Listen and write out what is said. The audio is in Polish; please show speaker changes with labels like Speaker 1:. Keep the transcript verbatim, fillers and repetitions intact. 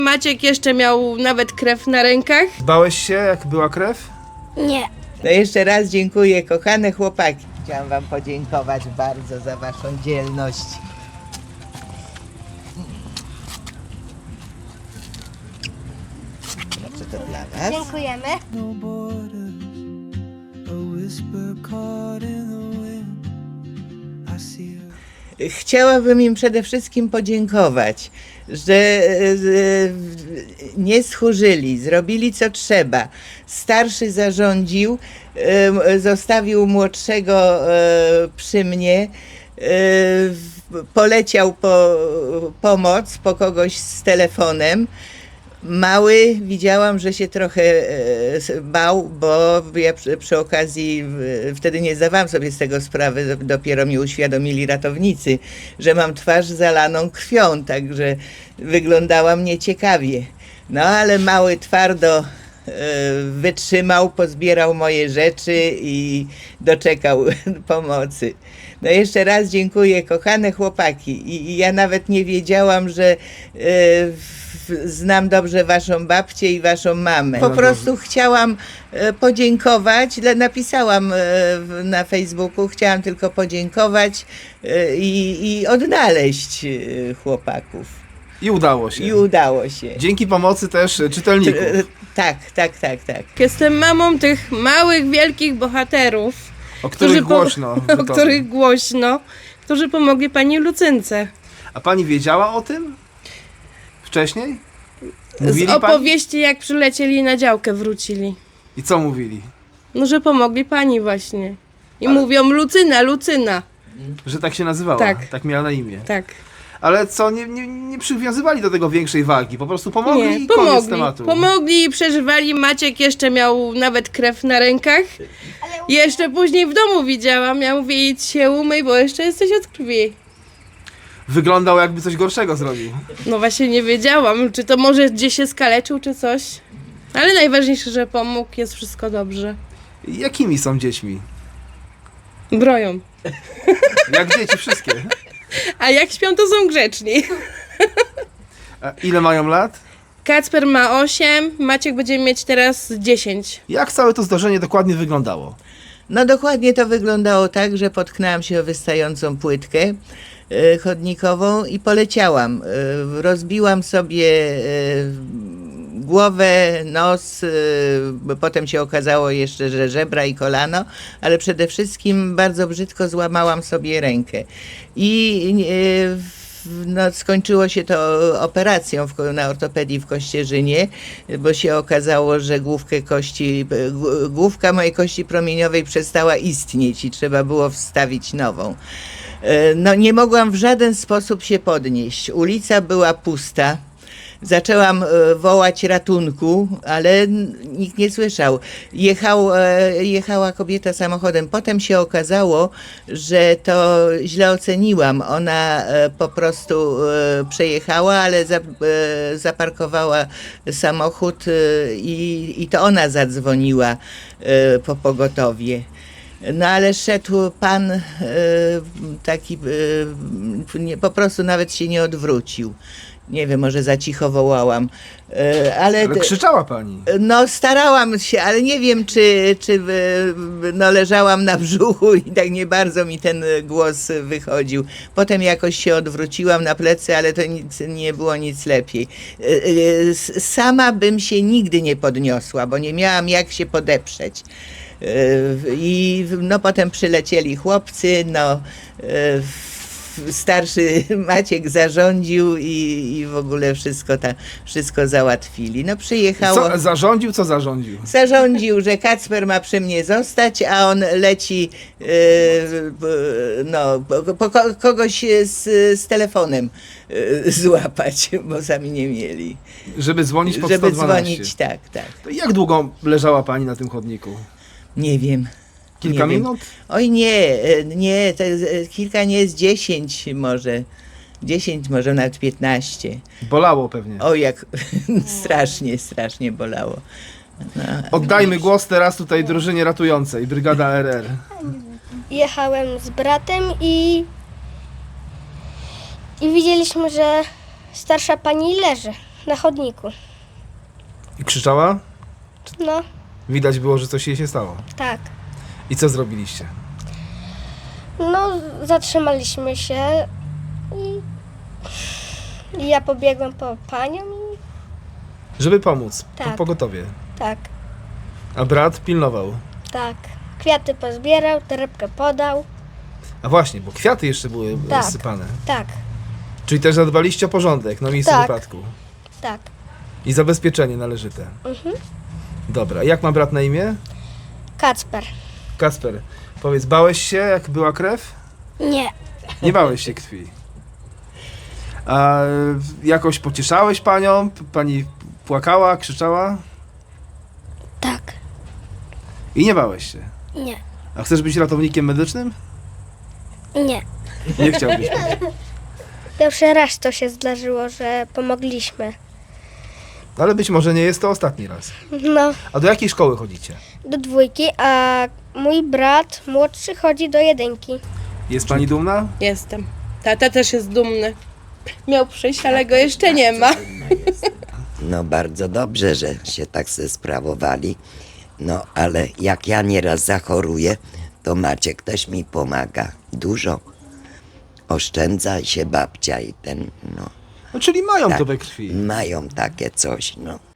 Speaker 1: Maciek jeszcze miał nawet krew na rękach.
Speaker 2: Bałeś się, jak była krew?
Speaker 3: Nie.
Speaker 4: No jeszcze raz dziękuję, kochane chłopaki. Chciałam wam podziękować bardzo za waszą dzielność. Proszę, to dla was.
Speaker 3: Dziękujemy.
Speaker 5: no borders, a whisper caught in the wind. I see her.
Speaker 4: Chciałabym im przede wszystkim podziękować, że e, nie schórzyli, zrobili co trzeba. Starszy zarządził, e, zostawił młodszego e, przy mnie, e, poleciał po pomoc, po kogoś z telefonem. Mały widziałam, że się trochę e, bał, bo ja przy, przy okazji e, wtedy nie zdawałam sobie z tego sprawy, dopiero mi uświadomili ratownicy, że mam twarz zalaną krwią, także wyglądałam nieciekawie. No ale mały twardo e, wytrzymał, pozbierał moje rzeczy i doczekał pomocy. No jeszcze raz dziękuję, kochane chłopaki. I, i ja nawet nie wiedziałam, że e, w- znam dobrze waszą babcię i waszą mamę. Po prostu chciałam e, podziękować, dla- napisałam e, w- na Facebooku, chciałam tylko podziękować e, i, i odnaleźć e, chłopaków.
Speaker 2: I udało się.
Speaker 4: I udało się.
Speaker 2: Dzięki pomocy też e, czytelników.
Speaker 4: E, Tak, tak, tak, tak.
Speaker 1: Jestem mamą tych małych, wielkich bohaterów.
Speaker 2: O których
Speaker 1: którzy po-
Speaker 2: głośno. w
Speaker 1: O
Speaker 2: Bytomiu.
Speaker 1: których głośno, którzy pomogli pani Lucynce.
Speaker 2: A pani wiedziała o tym? Wcześniej?
Speaker 1: Z
Speaker 2: Mówili pani?
Speaker 1: opowieści, jak przylecieli na działkę, wrócili.
Speaker 2: I co mówili?
Speaker 1: No, że pomogli pani właśnie. I
Speaker 2: Ale-
Speaker 1: mówią Lucyna, Lucyna.
Speaker 2: Że tak się nazywała?
Speaker 1: Tak.
Speaker 2: Tak miała na imię.
Speaker 1: Tak.
Speaker 2: Ale co, nie, nie, nie przywiązywali do tego większej wagi? Po prostu pomogli
Speaker 1: Nie,
Speaker 2: i koniec
Speaker 1: pomogli.
Speaker 2: tematu.
Speaker 1: Pomogli i przeżywali. Maciek jeszcze miał nawet krew na rękach. Jeszcze później w domu widziałam. Ja mówię, idź się umyj, bo jeszcze jesteś od krwi.
Speaker 2: Wyglądał, jakby coś gorszego zrobił.
Speaker 1: No właśnie nie wiedziałam, czy to może gdzieś się skaleczył, czy coś. Ale najważniejsze, że pomógł, jest wszystko dobrze.
Speaker 2: Jakimi są dziećmi?
Speaker 1: Broją.
Speaker 2: Jak dzieci wszystkie.
Speaker 1: A jak śpią, to są grzeczni.
Speaker 2: A ile mają lat?
Speaker 1: Kacper ma osiem, Maciek będzie mieć teraz dziesięć.
Speaker 2: Jak całe to zdarzenie dokładnie wyglądało?
Speaker 4: No dokładnie to wyglądało tak, że potknęłam się o wystającą płytkę e, chodnikową i poleciałam. E, rozbiłam sobie e, głowę, nos, e, bo potem się okazało jeszcze, że żebra i kolano, ale przede wszystkim bardzo brzydko złamałam sobie rękę. I e, w- no, skończyło się to operacją w, ko- na ortopedii w Kościerzynie, bo się okazało, że główkę kości, g- główka mojej kości promieniowej przestała istnieć i trzeba było wstawić nową. E, No, nie mogłam w żaden sposób się podnieść. Ulica była pusta. Zaczęłam e, wołać ratunku, ale n- nikt nie słyszał. Jechał, e, jechała kobieta samochodem. Potem się okazało, że to źle oceniłam. Ona e, po prostu e, przejechała, ale za, e, zaparkowała samochód e, i, i to ona zadzwoniła e, po pogotowie. No ale szedł pan e, taki, e, nie, po prostu nawet się nie odwrócił. Nie wiem, może za cicho wołałam, e, ale...
Speaker 2: Ale krzyczała pani.
Speaker 4: No starałam się, ale nie wiem, czy, czy e, no, leżałam na brzuchu i tak nie bardzo mi ten głos wychodził. Potem jakoś się odwróciłam na plecy, ale to nic, nie było nic lepiej. E, e, s- Sama bym się nigdy nie podniosła, bo nie miałam jak się podeprzeć. E, I no potem przylecieli chłopcy, no e, starszy Maciek zarządził i, i w ogóle wszystko, ta, wszystko załatwili. No przyjechało,
Speaker 2: Co, zarządził, co zarządził?
Speaker 4: zarządził, że Kacper ma przy mnie zostać, a on leci e, b- no, po, po ko- kogoś z, z telefonem e, złapać, bo sami nie mieli.
Speaker 2: Żeby dzwonić pod
Speaker 4: Żeby
Speaker 2: sto dwanaście.
Speaker 4: dzwonić, tak, tak.
Speaker 2: To jak długo leżała pani na tym chodniku?
Speaker 4: Nie wiem.
Speaker 2: Kilka
Speaker 4: nie wiem.
Speaker 2: minut?
Speaker 4: Oj nie, e, nie, to jest, e, kilka nie jest dziesięć może. Dziesięć, może nawet piętnaście.
Speaker 2: Bolało pewnie.
Speaker 4: O jak strasznie, strasznie bolało. No.
Speaker 2: Oddajmy głos teraz tutaj drużynie ratującej, Brygada R R.
Speaker 3: Jechałem z bratem i... I widzieliśmy, że starsza pani leży. na chodniku.
Speaker 2: I krzyczała?
Speaker 3: No,
Speaker 2: Widać było, że coś jej się stało.
Speaker 3: tak.
Speaker 2: I co zrobiliście?
Speaker 3: No, zatrzymaliśmy się i, i ja pobiegłem po panią i
Speaker 2: Żeby pomóc. Po
Speaker 3: Tak.
Speaker 2: pogotowie.
Speaker 3: tak,
Speaker 2: A brat pilnował.
Speaker 3: tak. Kwiaty pozbierał, torebkę podał.
Speaker 2: A właśnie, bo kwiaty jeszcze były
Speaker 3: Tak.
Speaker 2: rozsypane.
Speaker 3: Tak,
Speaker 2: Czyli też zadbaliście o porządek na miejscu
Speaker 3: Tak.
Speaker 2: wypadku.
Speaker 3: tak.
Speaker 2: I zabezpieczenie należyte.
Speaker 3: Mhm.
Speaker 2: Dobra, jak ma brat na imię?
Speaker 3: Kacper.
Speaker 2: Kasper, powiedz, bałeś się, jak była krew?
Speaker 3: Nie.
Speaker 2: Nie bałeś się krwi. A jakoś pocieszałeś panią? P- Pani płakała, krzyczała?
Speaker 3: Tak.
Speaker 2: I nie bałeś się.
Speaker 3: Nie.
Speaker 2: A chcesz być ratownikiem medycznym?
Speaker 3: Nie.
Speaker 2: Nie chciałbyś.
Speaker 3: Pierwszy raz to się zdarzyło, że pomogliśmy.
Speaker 2: Ale być może nie jest to ostatni raz.
Speaker 3: No,
Speaker 2: A do jakiej szkoły chodzicie?
Speaker 3: do dwójki, a mój brat młodszy chodzi do jedynki.
Speaker 2: Jest pani dumna?
Speaker 1: Jestem. Tata też jest dumny. Miał przyjść, ale go jeszcze nie ma.
Speaker 6: No bardzo dobrze, że się tak se sprawowali. No ale jak ja nieraz zachoruję, to Maciek też mi pomaga. Dużo. Oszczędza się babcia i ten, no.
Speaker 2: No, czyli mają
Speaker 6: Tak.
Speaker 2: to we krwi.
Speaker 6: Mają takie coś, no.